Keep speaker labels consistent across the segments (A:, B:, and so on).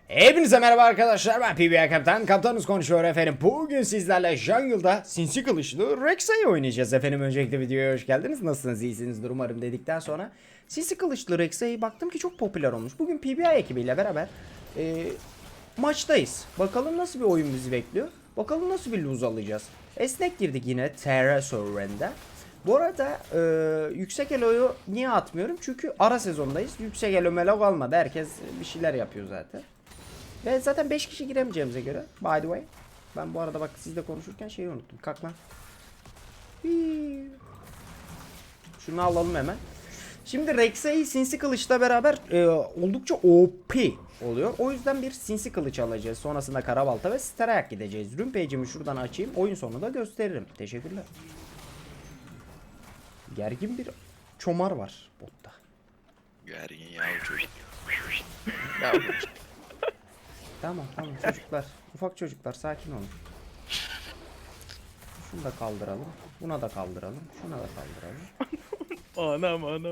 A: Hepinize merhaba arkadaşlar, ben PBA Kaptan. Kaptanınız konuşuyor efendim. Bugün sizlerle Jungle'da sinsi kılıçlı Rek'Sai oynayacağız efendim. Öncelikle videoya hoş geldiniz. Nasılsınız, iyisinizdir umarım dedikten sonra sinsi kılıçlı Rek'Sai baktım ki çok popüler olmuş. Bugün PBA ekibiyle beraber maçtayız. Bakalım nasıl bir oyun bizi bekliyor. Bakalım nasıl bir lose alacağız. Esnek girdik yine Terra server'ında. Bu arada yüksek elo'yu niye atmıyorum? Çünkü ara sezondayız. Yüksek elo melo kalmadı. Herkes bir şeyler yapıyor zaten. Ve zaten 5 kişi giremeyeceğimize göre. By the way. Ben bu arada bak sizle konuşurken şeyi unuttum. Kalk lan. Şunu alalım hemen. Şimdi Rek'Sai sinsi kılıçla beraber oldukça OP oluyor. O yüzden bir sinsi kılıç alacağız. Sonrasında karabalta ve sterayak gideceğiz. Rune page'imi şuradan açayım. Oyun sonunda gösteririm. Teşekkürler. Gergin bir çomar var botta.
B: Gergin yavru çocuk.
A: Tamam çocuklar. Ufak çocuklar sakin olun. Şunu da kaldıralım. Buna da kaldıralım. Şuna da kaldıralım.
C: Anam.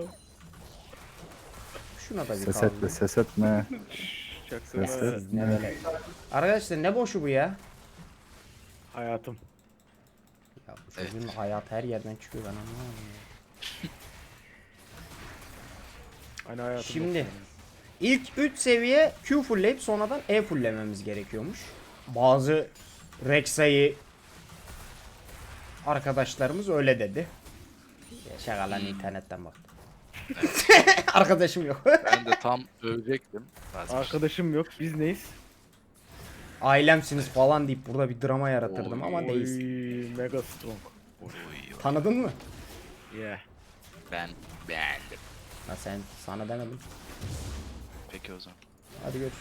A: Şuna da bir
D: Ses
A: kaldır.
D: etme, ses etme.
C: Çaksana.
D: Ses
A: Ne
D: etme.
A: böyle? Arkadaşlar ne boşu bu ya?
C: Hayatım.
A: Ya bu çocuğun hayat her yerden çıkıyor, ben anlamadım ya.
C: Hani hayatım.
A: Şimdi ilk 3 seviye Q fullleyip sonradan E fulllememiz gerekiyormuş. Bazı Rek'Sai arkadaşlarımız öyle dedi. Şakalan internetten baktım. Arkadaşım yok.
B: Ben de tam övecektim.
C: Arkadaşım yok. Biz neyiz?
A: Ailemsiniz falan deyip burada bir drama yaratırdım ama
C: Oy,
A: değilsin.
C: mega strong.
B: Oy.
A: Tanıdın mı?
C: Yeah.
B: Ben beğendim.
A: Ha sen, sana demedim.
B: Peki o zaman.
A: Hadi görüşürüz.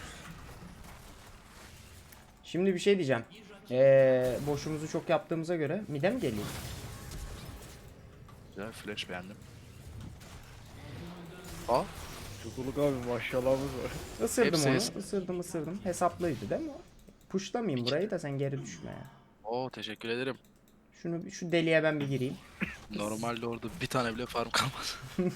A: Şimdi bir şey diyeceğim. Boşumuzu çok yaptığımıza göre mide mi geliyor?
B: Güzel flash beğendim. Aa,
C: Çukuluk abi maşallahımız var.
A: Isırdım
B: Hepsi
A: onu. Isırdım. Hesaplıydı değil mi o? Pushlamayayım burayı da sen geri düşme ya.
B: oo teşekkür ederim.
A: Şu deliğe ben bir gireyim.
B: Normalde orada bir tane bile farm kalmaz.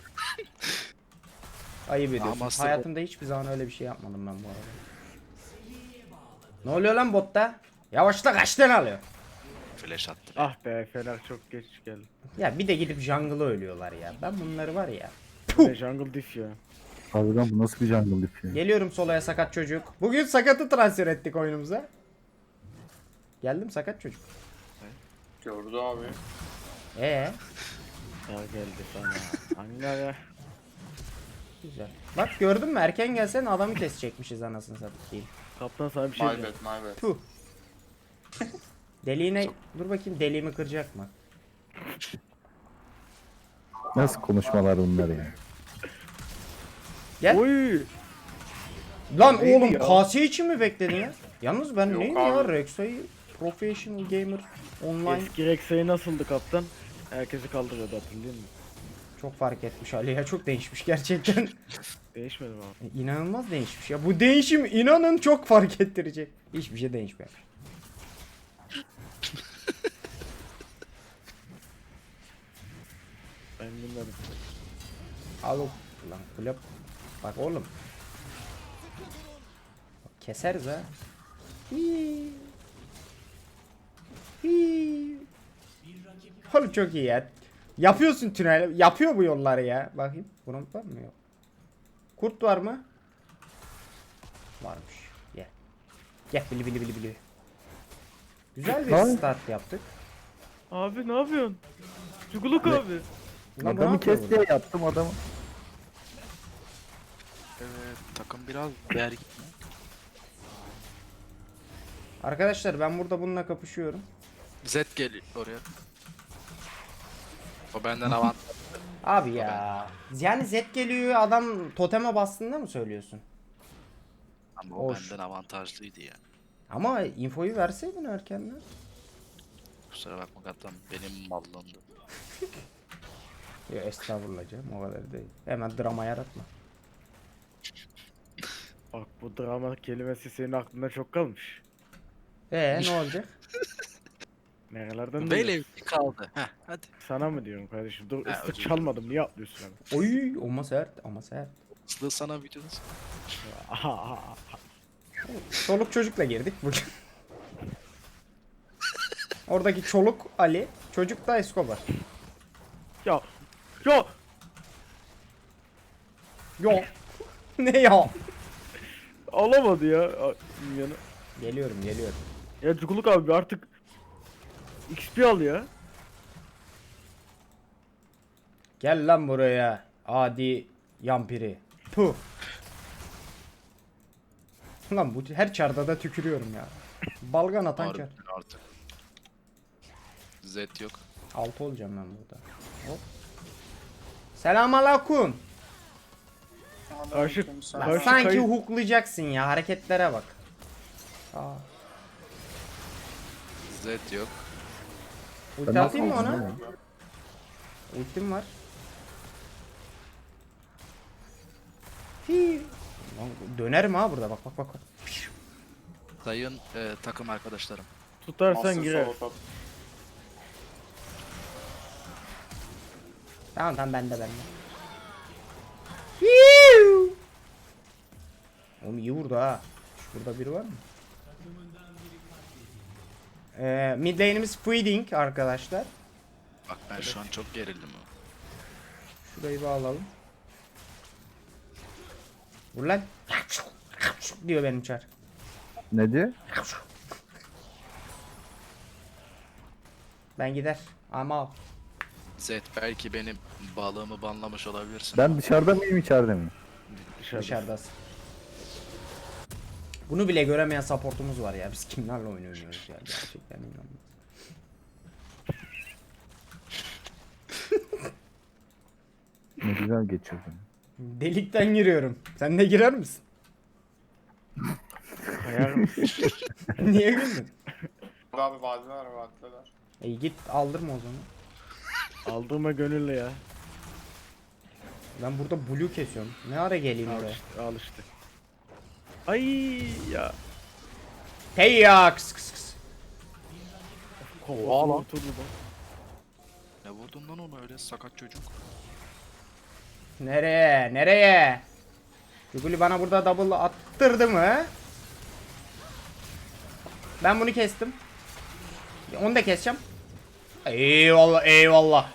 A: Ayıp ediyorsun.
B: Master
A: Hayatımda hiçbir zaman öyle bir şey yapmadım ben bu arada. Ne oluyor lan botta? Yavaşla, kaç tane alıyor?
B: Flash attı.
C: Ah be Fener çok geç geldi.
A: Ya bir de gidip jungle'ı ölüyorlar ya. Ben bunları var ya.
C: Ne jungle diff ya.
D: Harbiden bu nasıl bir jungle dip ya?
A: Geliyorum soloya sakat çocuk. Bugün sakatı transfer ettik oyunumuza. Geldim sakat çocuk.
E: Gördü abi.
A: Ee,
C: Ya geldi sana. Hangi ya?
A: güzel. Bak gördün mü, erken gelsen adamı kesecekmişiz anasını satayım.
C: Kaptan sana bir şey
E: My
C: diyeceğim.
E: bad, my bad.
A: Puh. Deliğine dur bakayım, deliğimi kıracak mı?
D: Nasıl konuşmalar bunlar ya?
A: Gel.
C: Oy.
A: Lan
C: Neydi
A: oğlum
C: ya?
A: KS için mi bekledin ya? Yalnız ben
E: Yok
A: neyim
E: abi.
A: ya, Rek'Sai Professional Gamer Online
C: Eski Rek'Sai nasıldı kaptan? Herkesi kaldırıyordu hatırlıyor musun?
A: çok fark etmiş Ali ya, çok değişmiş gerçekten.
C: Değişmedi mi abi?
A: İnanılmaz değişmiş ya, bu değişim inanın çok fark ettirecek. Hiçbir şey değişmiyor.
C: Ben bilmedim.
A: Al o- lan kulüp. Bak oğlum. Bak, keseriz ha. Hii. Hii. Oğlum çok iyi ya. Yapıyorsun tünel. Yapıyor bu yolları ya. Bakayım. Bunun var mı, yok. Kurt var mı? Varmış. Gel. Gel bili bili bili bili. Güzel bir
D: Ay.
A: start yaptık.
C: Abi ne yapıyorsun? Çukuluk abi.
A: Ulan bu ne
D: Adamı
A: yapıyor
D: kes
A: burada?
D: diye yaptım adamı.
B: Evet takım biraz gergin.
A: Arkadaşlar ben burada bununla kapışıyorum.
B: Zed geliyor oraya. O benden avantaj.
A: Abi ya. Yani Zed geliyor, adam toteme bastığında mı söylüyorsun?
B: Ama o
A: Hoş.
B: benden avantajlıydı ya.
A: Ama infoyu verseydin erkenden.
B: Kusura bakma kaptan benim mallımdı.
A: Ya estağfurullah canım, o kadar değil. Hemen drama yaratma.
C: Bak bu drama kelimesi senin aklında çok kalmış.
A: Ne olacak?
C: Nerelerden
B: Böyle
C: duyuyorsun?
B: bir kaldı. Heh hadi.
C: Sana mı diyorum kardeşim? Dur
B: Ha,
C: ıslık
B: özür
C: çalmadım niye atlıyorsun abi?
A: Oy, ama sert ama sert.
B: Sılı sana videonuz.
A: Çoluk çocukla girdik bugün. Oradaki çoluk Ali, çocuk da Escobar.
C: Ya. Ya.
A: Yo. Ne ya?
C: Alamadı ya. Yani.
A: Geliyorum.
C: Ya Cukuluk abi artık XP al ya.
A: Gel lan buraya. Adi yampiri. Puh. Lan bu her çarda da tükürüyorum ya. Balgan atan çar.
B: Harbiden artık. Z yok.
A: 6 olacağım ben burada. Hop. Selamünaleyküm.
C: Karşı,
E: Aleykümselam.
A: Lan
C: karşı
A: sanki
C: kayı-
A: huklayacaksın ya, hareketlere bak. Aa,
B: Z yok.
A: ulti atayım mı ona? Ultim var. Hii. Lan dönerim ha burada, bak.
B: Sayın takım arkadaşlarım.
C: tutarsan
E: Master
C: girer.
E: solo top.
A: Tamam bende. Hiu. Oğlum iyi vurdu ha. Burada biri var mı? Mid lane'imiz feeding arkadaşlar.
B: Bak ben şu an çok gerildim.
A: Şurayı bir alalım. Vur lan. Diyor benim çar.
D: Ne diyor?
A: Ben gider. Ama
B: Z belki benim balığımı banlamış olabilirsin.
D: Ben dışarıda mıyım içeride miyim?
A: dışarıdasın. Bunu bile göremeyen supportumuz var ya. Biz kimlerle oynuyoruz ya, gerçekten inanılmaz.
D: Ne güzel geçirdin.
A: Delikten giriyorum. Sen de girer misin?
C: Kayar mısın?
A: Niye güldün?
E: Abi vadiler vadiler.
A: Git aldırma o zaman.
C: Aldığıma gönüllü ya.
A: Ben burada blue kesiyorum. Ne ara geleyim
C: Al
A: oraya?
C: işte, al işte. Ay ya.
A: Hey ya kıs.
C: Oha lan. Oturdu da.
B: Ne vurdun lan onu öyle sakat çocuk?
A: Nereye? Juguli bana burada double attırdı mı? Ben bunu kestim. Onu da keseceğim. Eyvallah.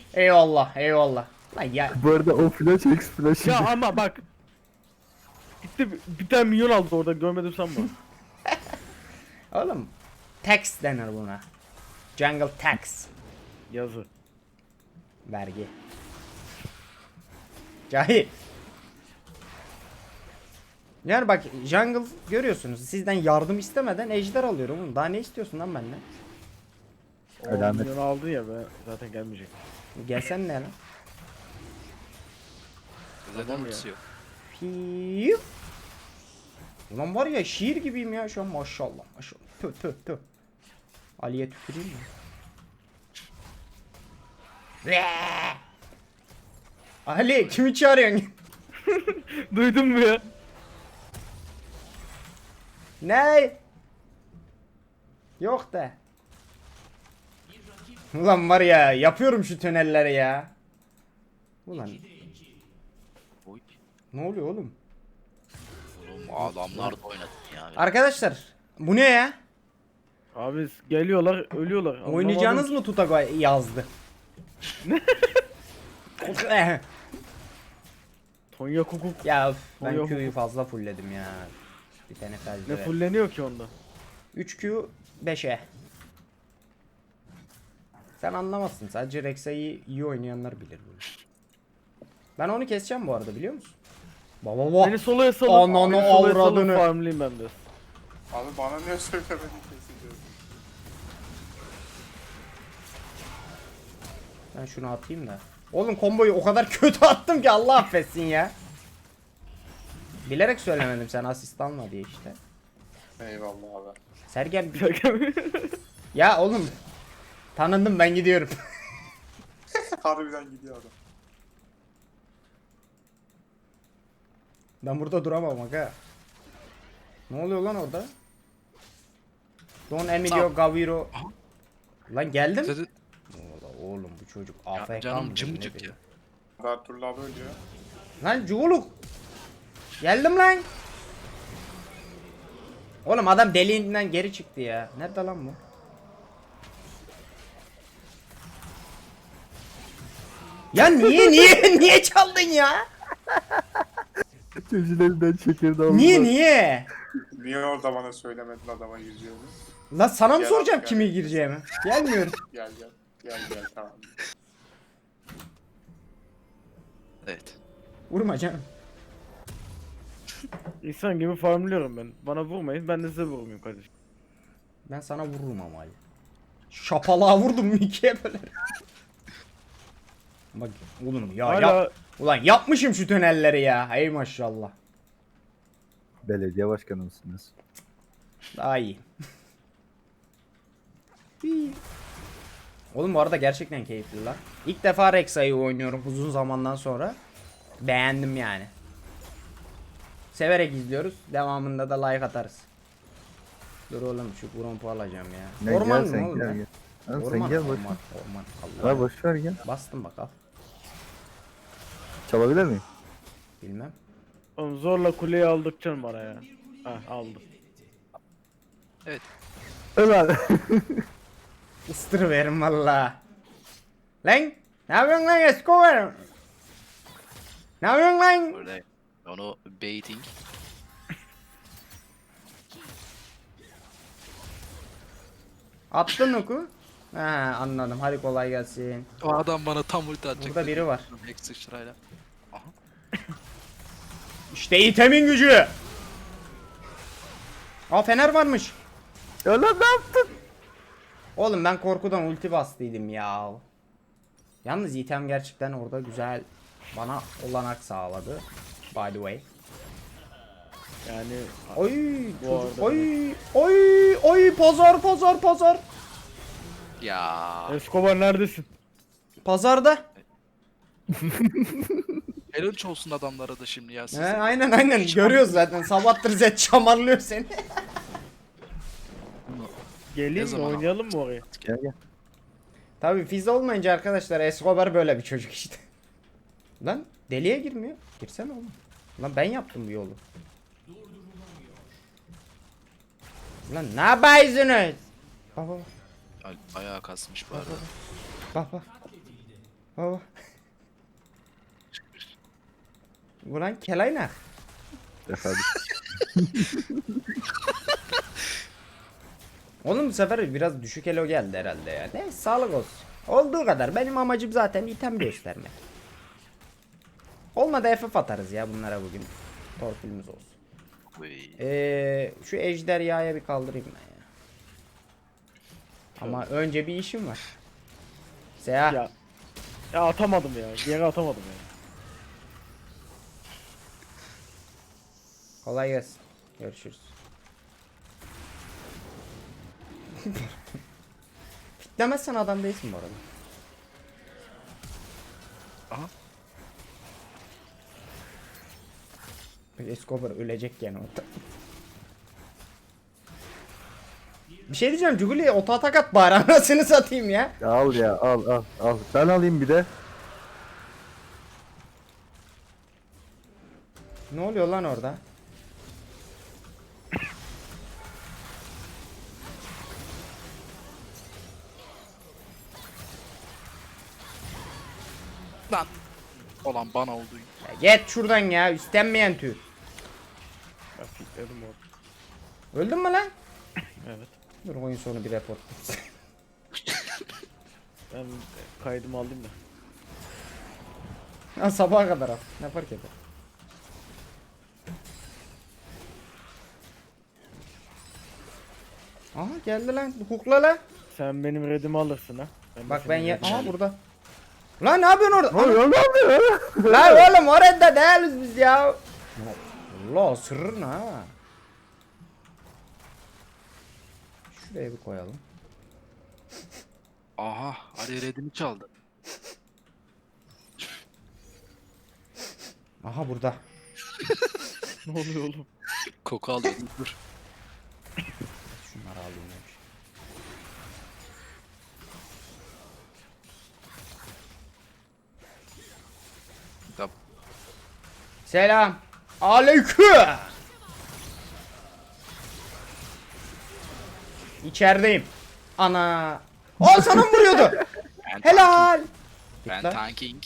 A: Lan ya
D: Bu arada o flash X flash.
C: Ya ama bak. Gitti bir tane milyon aldı orada görmedim sanma.
A: oğlum, tax denir buna. Jungle tax.
C: Yazı.
A: Vergi. Cahil. Yani bak, jungle görüyorsunuz, sizden yardım istemeden ejder alıyorum oğlum. Daha ne istiyorsun lan benden?
C: O
D: Alamet.
C: milyon aldı ya be zaten gelmeyecek.
A: Gelsen ne lan?
B: Z'den
C: Tamam ya.
B: ultisi yok.
A: Piu. Ulan var ya, şiir gibiyim ya şu an, maşallah. Tüh. Ali'ye tüküreyim mi? Ali kimi çağırıyorsun?
C: Duydun mu ya?
A: Ne? Yok da. Ulan var ya, yapıyorum şu tünelleri ya. Ulan
B: Oy.
A: ne oluyor oğlum?
B: Oğlum adamlar da oynadın ya.
A: Arkadaşlar bu ne ya?
C: Abi geliyorlar ölüyorlar. Anlamadım
A: Oynayacağınız
C: ki.
A: mı Tutago yazdı?
C: Tonya Kukuk.
A: Ya üf, ben
C: Yok.
A: Q'yu fazla fullledim ya. Bir tane
C: Ne
A: felce.
C: fulleniyor ki onda?
A: 3Q 5'e. Sen anlamazsın. Sadece Rexa'yı iyi oynayanlar bilir bunu. Ben onu keseceğim bu arada, biliyor musun? Baba.
C: Beni soloya salıp,
A: Ananı
C: beni soloya salıp
A: avradını.
C: farmlayayım ben de.
E: Abi bana niye söylemedin kesiliyorsun?
A: Ben şunu atayım da. Oğlum komboyu o kadar kötü attım ki Allah affetsin ya. Bilerek söylemedim, sen asist alma diye işte.
E: Eyvallah abi.
A: Sergen ya oğlum. Tanındım, ben gidiyorum.
E: Harbiden gidiyor adam.
A: Ben burada duramam aga. Ne oluyor lan orada? Don Emilio Gaviro. Lan geldim.
B: Dedi,
A: Oğlum bu çocuk
B: ya,
A: AFK
B: canım
A: mıdır,
B: cımcık
A: nedir
B: ya.
E: Bertull abi ölüyor.
A: Lan Cuğuluk. Geldim lan. Oğlum adam deliğinden geri çıktı ya. Nerede lan bu? Ya niye çaldın ya?
D: Gözlerinden çekirdeği aldı.
A: Niye?
E: Niye orada bana söylemedin adama gireceğini?
A: Lan sana mı
E: Gel
A: soracağım
E: abi,
A: kimi
E: gel.
A: gireceğimi? Gelmiyorum.
E: Gel gel. Gel tamam.
B: Evet.
A: Vurma canım.
C: İnsan gibi farmlıyorum ben. Bana vurmayın, ben de size vurmayayım kardeşim.
A: Ben sana vururum ama. Şapalığa vurdum mu ikiye böyle. Bak oğlum ya
C: Hala
A: ulan yapmışım şu tünelleri ya. Ey maşallah.
D: Belediye başkanı mısınız?
A: Daha iyi. İyi. Oğlum bu arada gerçekten keyifli lan. İlk defa Rexa'yı oynuyorum uzun zamandan sonra. Beğendim yani. Severek izliyoruz. Devamında da like atarız. Dur oğlum şu grompu alacağım ya.
D: Ne,
A: Orman
D: gel
A: mı
D: sen,
A: oğlum?
D: gel,
A: ya?
D: gel. Lan
A: Orman,
D: sen gel boş.
A: orman. Allah.
D: Ha boş ver gel.
A: Bastım bak al.
D: Çalabilir miyim?
A: Bilmem.
C: oğlum zorla kuleyi aldıkça bana ya. Heh aldım.
D: Ömer.
A: Istırıverim valla. Lan! Ne yapıyorsun lan Escobar? Ne yapıyorsun lan?
B: Böyle onu baiting.
A: Attın oku. Ha anladım. Hadi kolay gelsin.
B: O adam bana tam ulti atacak.
A: Burada biri var.
B: Hex sıçrayla. Aha.
A: İşte itemin gücü. Aa fener varmış.
D: Ömer ne yaptın?
A: Oğlum ben korkudan ulti bastıydım ya. Yalnız item gerçekten orada güzel bana olanak sağladı. By the way.
C: Yani
A: Oy,
C: Bu
A: çocuk,
C: arada
A: oy, pazar.
B: Ya.
C: Escobar neredesin?
A: Pazarda.
B: Helal olsun adamlara da şimdi ya. Siz.
A: He, aynen görüyoruz zaten. Sabahtır Zed çamarlıyor seni.
C: Geleyim mi
B: zaman
C: oynayalım mı oraya?
D: Gel gel.
A: Tabii Fizz olmayınca arkadaşlar Escobar böyle bir çocuk işte. Lan deliye girmiyor. Girsene oğlum. Lan ben yaptım bu yolu. Lan ne yapıyorsunuz? Baba
B: Ayağa kasmış bu arada.
A: baba. Baba. Ulan kelaynak.
D: Efendim.
A: Oğlum bu sefer biraz düşük elo geldi herhalde ya. Neyse sağlık olsun. Olduğu kadar. Benim amacım zaten item göstermek. Olmadı FF atarız ya bunlara bugün. Torpilimiz olsun.
B: Uy.
A: Şu ejderhaya bir kaldırayım ben ya. Ama önce bir işim var. Seha.
C: Ya atamadım ya. Geri atamadım ya.
A: Kolay gelsin. Görüşürüz. Fitlemezsen adam değilsin bu arada.
B: Aha.
A: Escobar ölecek yani orada. Bir şey diyeceğim Juguli'ye oto atak at bari anasını satayım ya.
D: Ya al ya al. Ben alayım bir de.
A: Ne oluyor lan orada?
B: Lan. Olan bana oldu.
A: Ya git şuradan ya istenmeyen tür.
C: Ben fikledim orada.
A: Öldün mü lan?
C: Evet.
A: Dur oyun sonu bir report.
C: Ben kaydımı aldım da.
A: Ha, sabaha kadar al. Ne fark eder? Aha geldi lan. Hukla lan.
C: Sen benim redimi alırsın ha. De
A: Bak ben
C: senin
A: ya...
C: redimi
A: Aha
C: alayım.
A: burada. Lan ne yapıyorsun orada?
D: Ne oluyor lan?
A: Lan oğlum orada değiliz biz ya. Allah sırrın ha. Şuraya bir koyalım.
B: Aha. Ali redimi çaldı.
A: Aha burada.
C: Ne oluyor oğlum?
B: Koku alıyor. Dur.
A: Şunları alayım ya.
B: Tamam.
A: Selam. Aleyküm. İçerideyim. Ana. O sana mı vuruyordu? Helal.
B: Ben
A: Git lan.
B: tanking.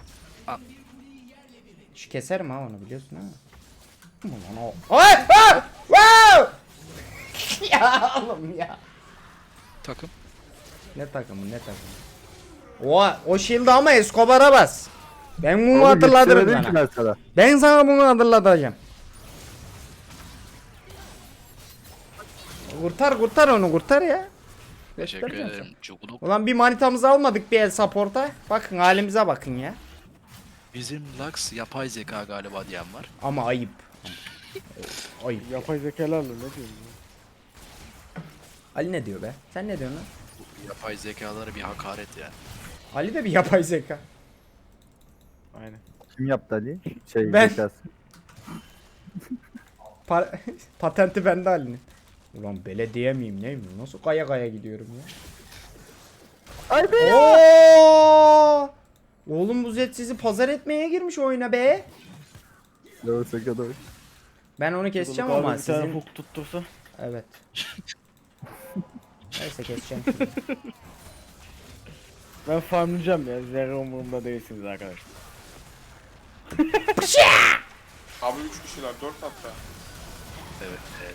A: Şu keserim ha onu biliyorsun ha. Aman o. Ay! Ah! Wow! Ya oğlum ya.
B: Takım.
A: Ne takımı ne takımı. O shield'ı ama Escobar'a bas. Ben bunu
D: Oğlum
A: hatırlatırım
D: yetişemedim ki
A: sana.
D: ben sana.
A: Ben sana bunu hatırlatacağım. Kurtar onu kurtar ya.
B: Teşekkür
A: Göstereceğim
B: ederim. Çukuluk.
A: sana. Ulan bir manitamızı almadık bir el support'a. Bakın halimize bakın ya.
B: Bizim Lux yapay zeka galiba diyen var.
A: Ama ayıp. Ayıp.
C: Yapay zekalarla ne diyorsun?
A: Ali ne diyor be? Sen ne diyorsun lan?
B: Bu yapay zekalara bir hakaret ya.
A: Ali de bir yapay zeka.
C: Aynen.
D: Kim yaptı Ali? Şey
A: Ben.
D: zekası.
A: Patenti bende Ali'nin. Ulan belediye miyim neyim? Nasıl kaya kaya gidiyorum ya?
D: Ay be.
A: Oo! Oğlum bu Zed sizi pazar etmeye girmiş oyuna be.
D: Doğru kadar.
A: Ben onu keseceğim
C: Abi
A: ama
C: bir tane
A: sizin...
C: hook tuttursa.
A: Evet. Neyse keseceğim.
C: Ben farmlayacağım ya. Zerre umurumda değilsiniz arkadaşlar.
E: Abi 3 kişiler 4 hatta.
B: Evet. Evet.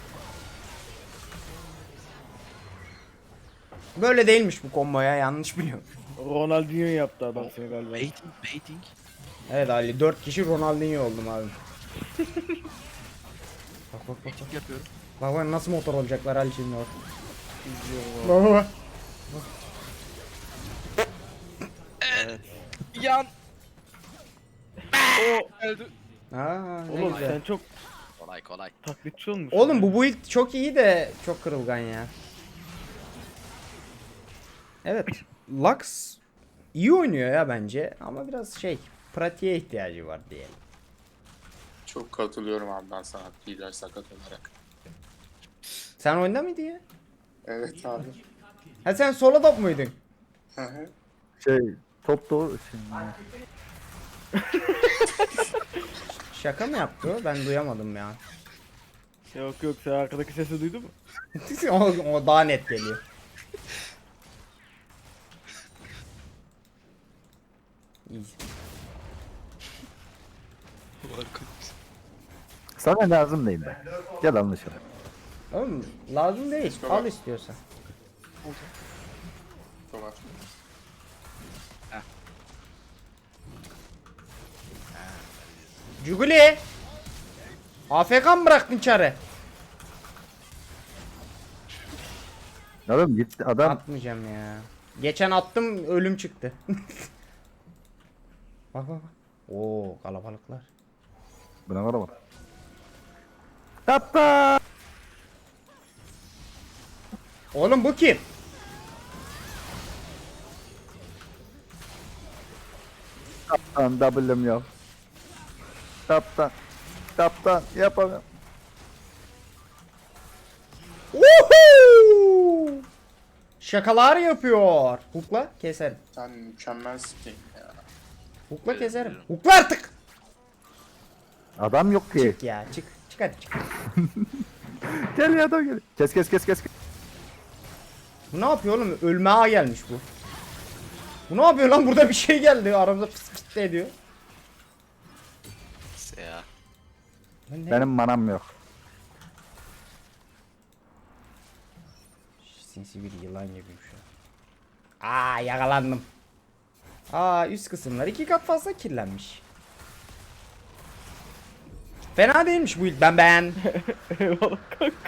A: Böyle değilmiş bu komboya yanlış biliyorum.
C: Ronaldinho yaptı adam seni galiba.
B: Baiting. Baiting.
A: Evet Ali 4 kişi Ronaldinho oldum abi. Bak bak bak.
B: Baiting yapıyorum.
A: Bak bak nasıl motor olacaklar Ali şimdi bak.
C: İzliyorum abi.
A: Bak bak.
B: Yan.
C: O
B: Öldü.
A: Aa, ne
C: oğlum
A: güzel.
C: sen çok
B: Kolay kolay.
C: taklitçi olmuşsun.
A: Oğlum bu build çok iyi de çok kırılgan ya. Evet. Lux iyi oynuyor ya bence ama biraz şey pratiğe ihtiyacı var diyelim.
E: Çok katılıyorum abi ben sana Piler sakat olarak.
A: Sen oyunda mıydın ya?
E: Evet abi.
A: Ha sen solo top muydun?
E: Hı hı.
D: Şey top doğru şimdi.
A: Şaka mı yaptı o? Ben duyamadım ya.
C: Yok yok sen arkadaki sesi duydun mu?
A: o daha net geliyor. İyi.
D: Sana lazım değil ben. Gel anlaşalım.
A: Oğlum lazım değil.
E: Tamam.
A: Al istiyorsan.
E: Dolar.
A: Cuguli. AFK mı bıraktın çare?
D: Oğlum gitti adam.
A: Atmayacağım ya. Geçen attım ölüm çıktı. Bak bak bak. Oo kalabalıklar.
D: Buna var ama. Yapma.
A: Oğlum bu kim?
D: Kaptan W'm yok. Kaptan. Kaptan yapamıyorum.
A: Woohoo! Şakalar yapıyor. Hukla keserim.
E: Sen mükemmelsin ya.
A: Hukla
B: Evet,
A: keserim.
B: biliyorum.
A: Hukla artık.
D: Adam yok ki.
A: Çık ya çık. Çık hadi çık.
D: Gel ya adam gel. Kes kes kes kes.
A: Bu ne yapıyor oğlum? Ölmeye gelmiş bu. Bu ne yapıyor lan? Burada bir şey geldi. Aramızda fıs fıs de ediyor.
B: Ya.
A: Lan ne?
D: Benim manam yok.
A: Sinsi bir yılan gibiyim şu an. Aa yakalandım. Aa üst kısımlar 2 kat fazla kirlenmiş. Fena değilmiş bu ilk ben.
C: Eyvallah kanka.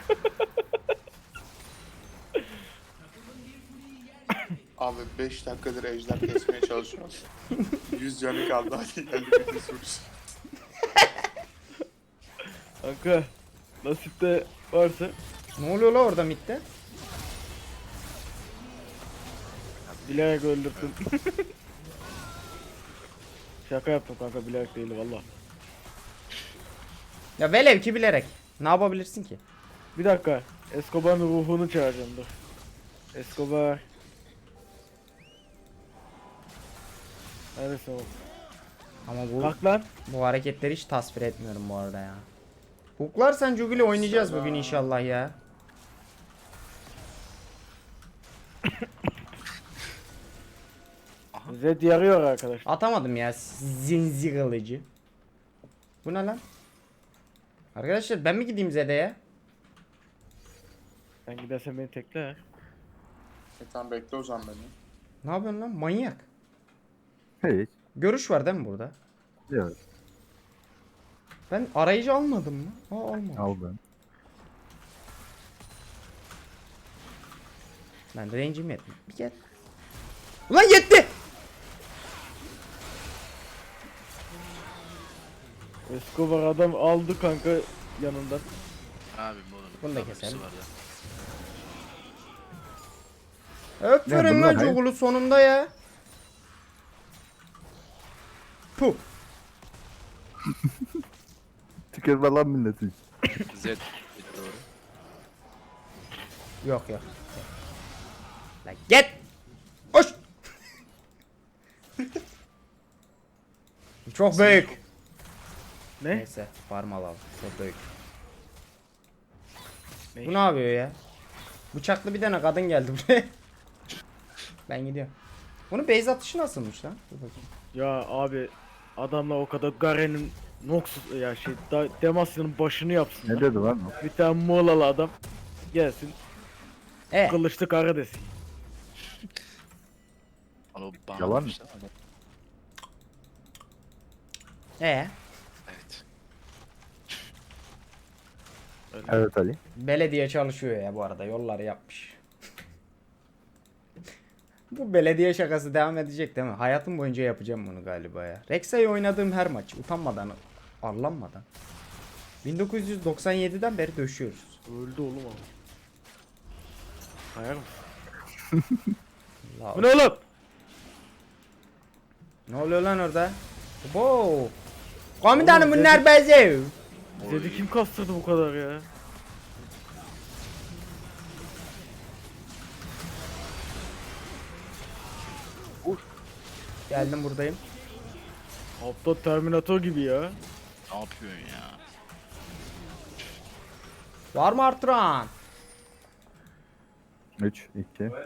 E: Abi 5 dakikadır ejder kesmeye çalışıyorum. 100 canı kaldı hadi geldi bir de sürüş.
C: Kanka nasipte varsa
A: Ne oluyor la orada mitte?
C: bilerek öldürdüm. Şaka yaptım kanka bilerek değil valla.
A: Ya velev ki bilerek. Ne yapabilirsin ki?
C: Bir dakika Escobar'ın ruhunu çağıracağım dur. Escobar. Neredesin oğlum?
A: Ama bu
C: Kalk lan.
A: bu hareketleri hiç tasvir etmiyorum bu arada ya. Hooklarsan Juguli oynayacağız bugün inşallah ya.
C: Zed yarıyor arkadaşlar.
A: Atamadım ya zinzi kılıcı. Bu ne lan? Arkadaşlar ben mi gideyim Zede'ye?
C: Sen gidersen beni tekle.
E: Tamam bekle o zaman beni.
A: Ne yapıyorsun lan manyak?
D: Hiç.
A: Görüş var değil mi burada?
D: Yok.
A: Ben arayıcı almadım mı? Aa almadım.
D: Aldım.
A: Ben de range'im yetmiyor. Bir gel. Ulan yetti!
C: Escobar adam aldı kanka yanından.
B: Abim oğlum.
A: Bunu da
B: W'si
A: keselim.
B: var ya.
A: Öpürün
D: bunlar
A: lan
D: hayır.
A: Jogul'u sonunda ya. Puh.
D: Tükürme lan milleti.
B: Z doğru.
A: Yok yok. Lan git. Hoş. Çok büyük.
C: Ne?
A: Neyse farm alalım. Çok büyük.
C: Ne
A: Bu ne yapıyor ya? Bıçaklı bir tane kadın geldi buraya. Ben gidiyorum. Bunun base atışı nasılmış lan? Dur bakayım.
C: Ya abi adamla o kadar Garen'in Noxus ya Demacia'nın başını yapsın.
D: Ne dedi lan o?
C: Bir tane Muğlalı adam gelsin
A: E,
C: kılıçlı kara desin.
B: Ama bana
D: Yalan
B: demişler ama-
A: e.
B: Evet.
D: Evet Ali.
A: Belediye çalışıyor ya bu arada. Yolları yapmış. Bu belediye şakası devam edecek değil mi? Hayatım boyunca yapacağım bunu galiba ya. Rexa'yı oynadığım her maç utanmadan, arlanmadan. 1997'den beri döşüyoruz.
C: Öldü oğlum ama. Hayal mısın?
A: La-
C: Bu ne oğlum?
A: Ne oluyor lan orada? Wow. Komutanım
C: Oğlum,
A: bunlar bezev.
C: Zed'i kim kastırdı bu kadar ya?
A: Geldim buradayım.
C: Hatta Terminator gibi ya.
B: Ne yapıyorsun ya?
A: Var mı artıran?
D: 3, 2, 1.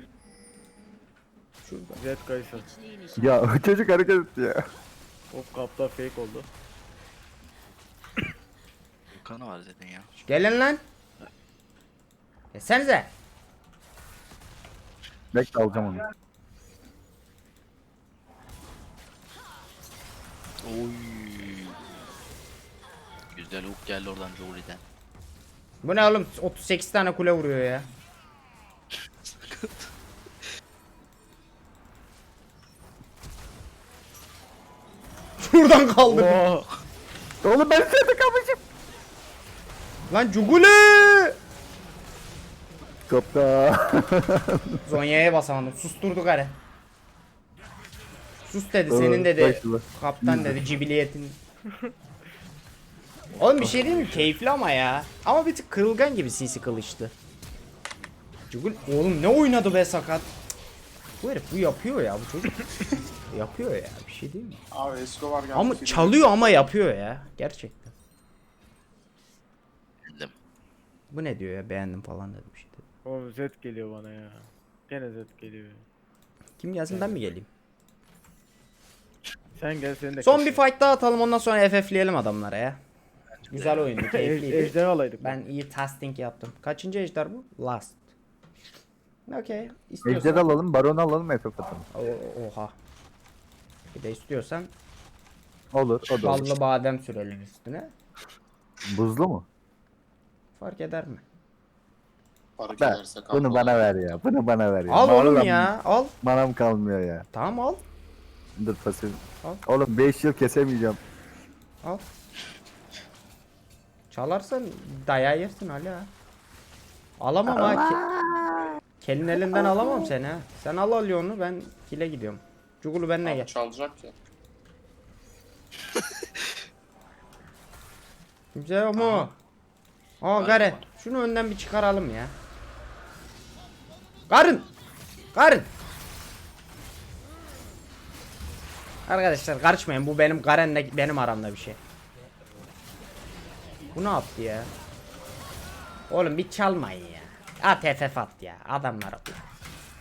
A: Şurada.
C: Zed Kayser.
D: Ya çocuk hareket etti ya.
C: Hop kapta fake oldu.
B: Kanı var zaten ya.
A: Gelin lan. Desenize.
D: Bekle alacağım onu.
B: Oy. Güzel hook geldi oradan Jory'den.
A: Bu ne oğlum? 38 tane kule vuruyor ya. Şuradan kaldı.
C: Oo.
D: Oğlum ben seni kapışım.
A: Lan Cuguli!
D: Kapta.
A: Zonya'ya basamadım. Susturdu gari. Sus dedi senin dedi.
D: Başla.
A: Kaptan dedi cibiliyetin. Oğlum bir şey değil mi? Keyifli ama ya. Ama bir tık kırılgan gibi sinsi kılıçtı. Cugul oğlum ne oynadı be sakat. Bu herif bu yapıyor ya bu çocuk. Yapıyor ya bir şey değil mi?
E: Abi Escobar geldi.
A: Ama
E: film-
A: çalıyor ama yapıyor ya. Gerçekten.
B: Bildim.
A: Bu ne diyor ya beğendim falan dedim işte.
C: Oğlum Zed geliyor bana ya. Gene Zed geliyor.
A: Kim gelsin ben mi geleyim?
C: Sen gel seni de
A: Son bir fight daha atalım ondan sonra FF'leyelim adamlara ya. Güzel oyundu keyifliydi.
C: Ejder alaydık.
A: Ben iyi testing yaptım. Kaçıncı ejder bu? Last. Okey.
D: Ejder
A: İstiyorsan.
D: alalım, baron alalım, FF atalım.
A: Oha. Bir de istiyorsan
D: Olur, o da olur.
A: ballı badem sürelim üstüne.
D: Buzlu mu?
A: Fark eder mi?
E: Para
D: Ben,
E: gelirse
D: bunu
E: kalmalı.
D: bana ver ya, bunu bana ver ya.
A: Al oğlum
D: Vallahi
A: ya. Al.
D: Manam kalmıyor ya.
A: Tamam al.
D: Dur pasif.
A: Al.
D: Oğlum 5 yıl kesemeyeceğim.
A: Al. Çalarsan dayağı yersin Ali ha. Alamam ha. Kelin elinden alamam seni ha. Sen al Leon'u ben kile gidiyorum. Cugulu benimle
E: Abi
A: gel.
E: çalacak ya.
A: Kimse yok mu? Aa Garen. Şunu önden bir çıkaralım ya. Karın. Karın. Arkadaşlar karışmayın. Bu benim Garen'le benim aramda bir şey. Bu ne yaptı ya? Oğlum bir çalmayın ya. At FF at ya. Adamlara.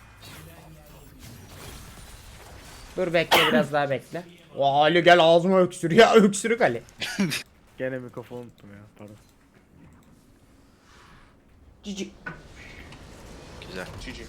A: Dur bekle biraz daha bekle. O Ali gel ağzıma öksür ya öksürük Ali.
C: Gene mikrofonu unuttum ya pardon.
A: Cici.
B: Güzel.
E: Cici.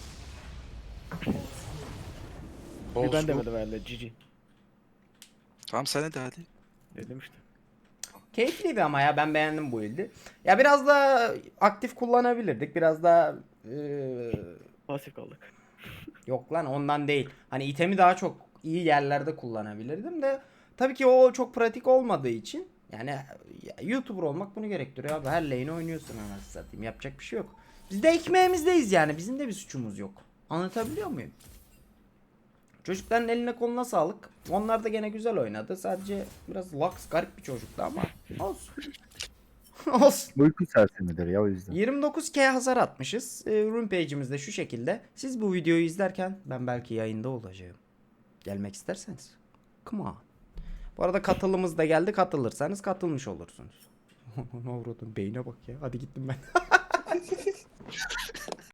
C: Bir ben demedim herhalde cici.
B: Tamam sen de hadi.
C: Dedim işte.
A: Keyifliydi ama ya ben beğendim bu build'i. Ya biraz daha aktif kullanabilirdik. Biraz daha
C: Pasif kaldık.
A: yok lan ondan değil. Hani itemi daha çok iyi yerlerde kullanabilirdim de tabii ki o çok pratik olmadığı için yani ya, YouTuber olmak bunu gerektiriyor abi. Her lane oynuyorsun anasını satayım. Yapacak bir şey yok. Biz de ekmeğimizdeyiz yani. Bizim de bir suçumuz yok. Anlatabiliyor muyum? Çocukların eline koluna sağlık. Onlar da gene güzel oynadı. Sadece biraz Lux garip bir çocuktu ama olsun. Olsun.
D: Uyku sersemidir ya o yüzden.
A: 29k hasar atmışız. Rune page'imiz de şu şekilde. Siz bu videoyu izlerken ben belki yayında olacağım. Gelmek isterseniz. Come on. Bu arada katılımız da geldi. Katılırsanız katılmış olursunuz. Ne avradın beyne bak ya. Hadi gittim ben.